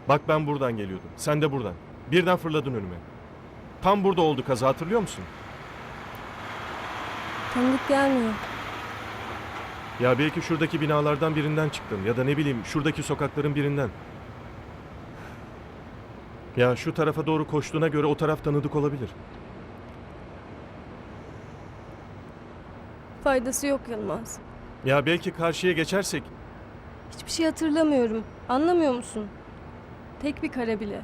Bak ben buradan geliyordum. Sen de buradan. Birden fırladın önüme. Tam burada oldu kaza, hatırlıyor musun? Tanıdık gelmiyor. Ya belki şuradaki binalardan birinden çıktın. Ya da ne bileyim şuradaki sokakların birinden. Ya şu tarafa doğru koştuğuna göre o taraf tanıdık olabilir. Faydası yok Yılmaz. Ya belki karşıya geçersek... Hiçbir şey hatırlamıyorum. Anlamıyor musun? Tek bir kare bile.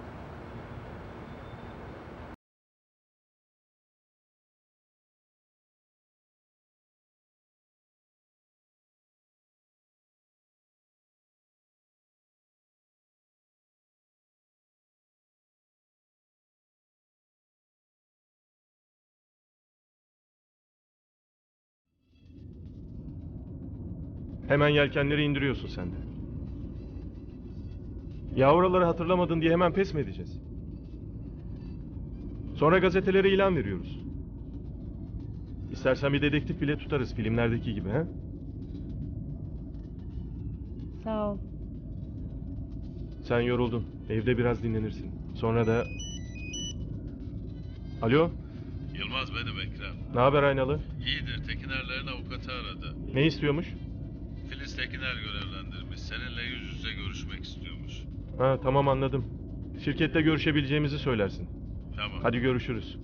Hemen yelkenleri indiriyorsun sen de. Ya oraları hatırlamadın diye hemen pes mi edeceğiz? Sonra gazetelere ilan veriyoruz. İstersen bir dedektif bile tutarız filmlerdeki gibi, he? Sağ ol. Sen yoruldun. Evde biraz dinlenirsin. Sonra da... Alo? Yılmaz benim Ekrem. Ne haber Aynalı? İyidir. Tekinerlerin avukatı aradı. Ne istiyormuş? Filiz Tekiner görevlendirmiş. Seninle yüz yüze görüşmek istiyormuş. Ha tamam, anladım. Şirkette görüşebileceğimizi söylersin. Tamam. Hadi görüşürüz.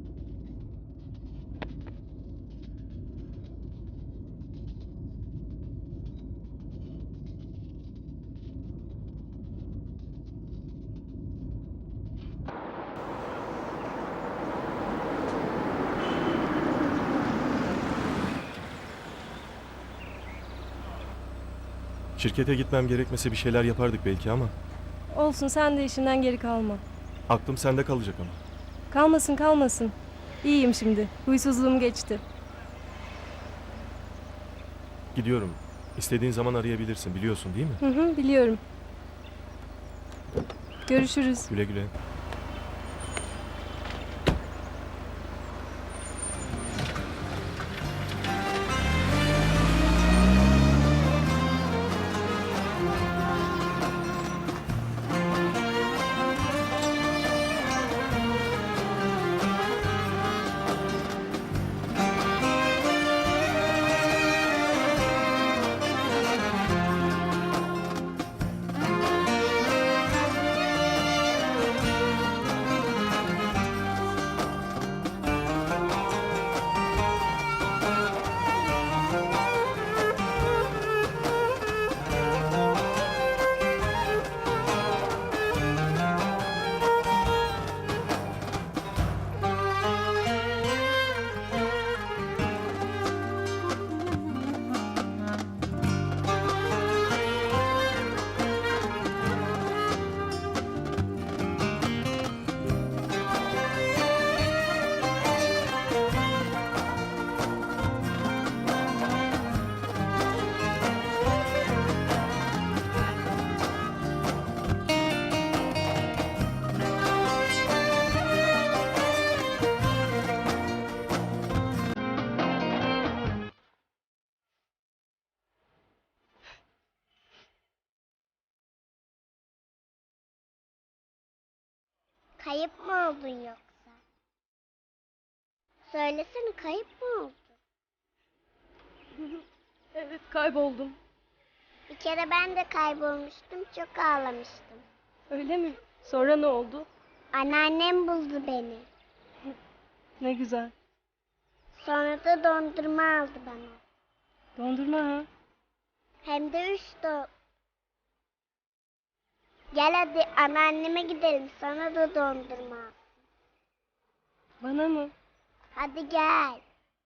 Şirkete gitmem gerekmese bir şeyler yapardık belki ama Olsun, sen de işinden geri kalma. aklım sende kalacak ama. Kalmasın kalmasın. İyiyim şimdi. Huysuzluğum geçti. Gidiyorum. İstediğin zaman arayabilirsin, biliyorsun değil mi? Hı hı, biliyorum. Görüşürüz. Güle güle. Kayıp mı oldun yoksa? Söylesene, kayıp mı oldun? Evet, kayboldum. Bir kere ben de kaybolmuştum, çok ağlamıştım. Öyle mi? Sonra ne oldu? Anneannem buldu beni. Ne güzel. Sonra da dondurma aldı bana. Dondurma ha. Hem de 3 Gel hadi anneanneme gidelim, sana da dondurma al. Bana mı? Hadi gel.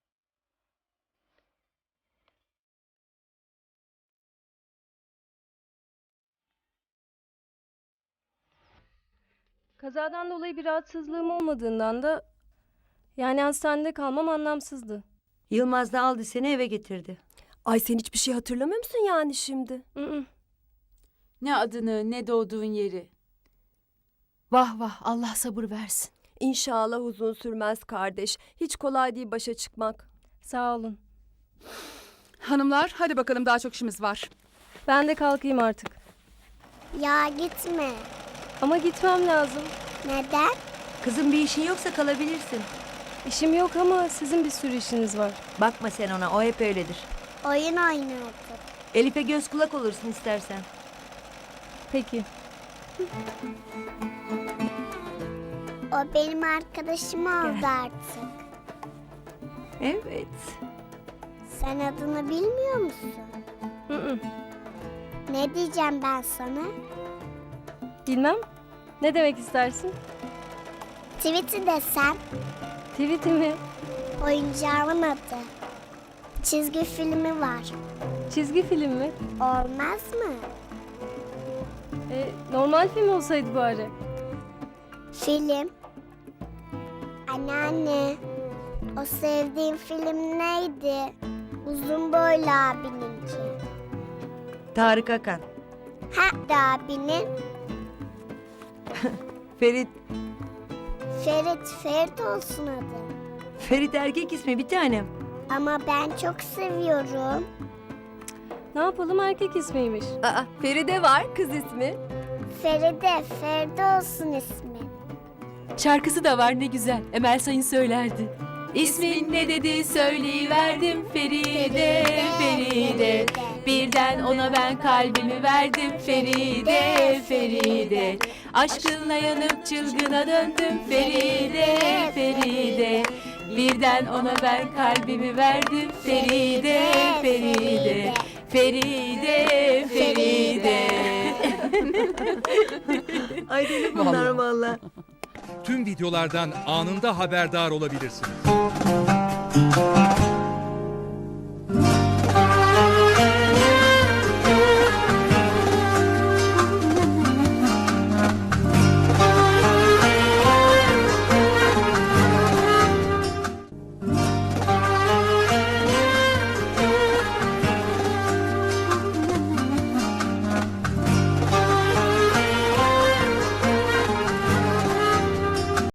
Kazadan dolayı bir rahatsızlığım olmadığından da yani hastanede kalmam anlamsızdı. Yılmaz da aldı seni eve getirdi. Ay sen hiçbir şey hatırlamıyor musun yani şimdi? Hı. Ne adını, ne doğduğun yeri. Vah vah, Allah sabır versin. İnşallah uzun sürmez kardeş. Hiç kolay değil başa çıkmak. Sağ olun. Hanımlar hadi bakalım, daha çok işimiz var. Ben de kalkayım artık. Ya gitme. Ama gitmem lazım. Neden? Kızım bir işin yoksa kalabilirsin. İşim yok ama sizin bir sürü işiniz var. Bakma sen ona, o hep öyledir. Oyun oynuyorduk. Elif'e göz kulak olursun istersen. Peki. O benim arkadaşım oldu artık. Evet. Sen adını bilmiyor musun? Hı hı. Ne diyeceğim ben sana? Bilmem. Ne demek istersin? Tweet'i desem, Tweet'i mi? oyuncağımın adı. Çizgi filmi var. Çizgi film mi? Olmaz mı? Normal film olsaydı bari. Film. Anneanne, o sevdiğim film neydi? Uzun boylu abininki. Tarık Akan. Ha abinin. Ferit. Ferit olsun adı. Ferit erkek ismi bir tanem. Ama ben çok seviyorum. Ne yapalım, erkek ismiymiş. Aa, Feride var kız ismi. Feride olsun ismi. Şarkısı da var ne güzel. Emel Sayın söylerdi. İsmin ne dedi söyleyiverdim Feride, Feride. Birden ona ben kalbimi verdim Feride, Feride. Aşkınla yanıp çılgına döndüm Feride, Feride. Birden ona ben kalbimi verdim Feride, Feride. Feride, Feride. Ay deli bunlar valla. Tüm videolardan anında haberdar olabilirsiniz.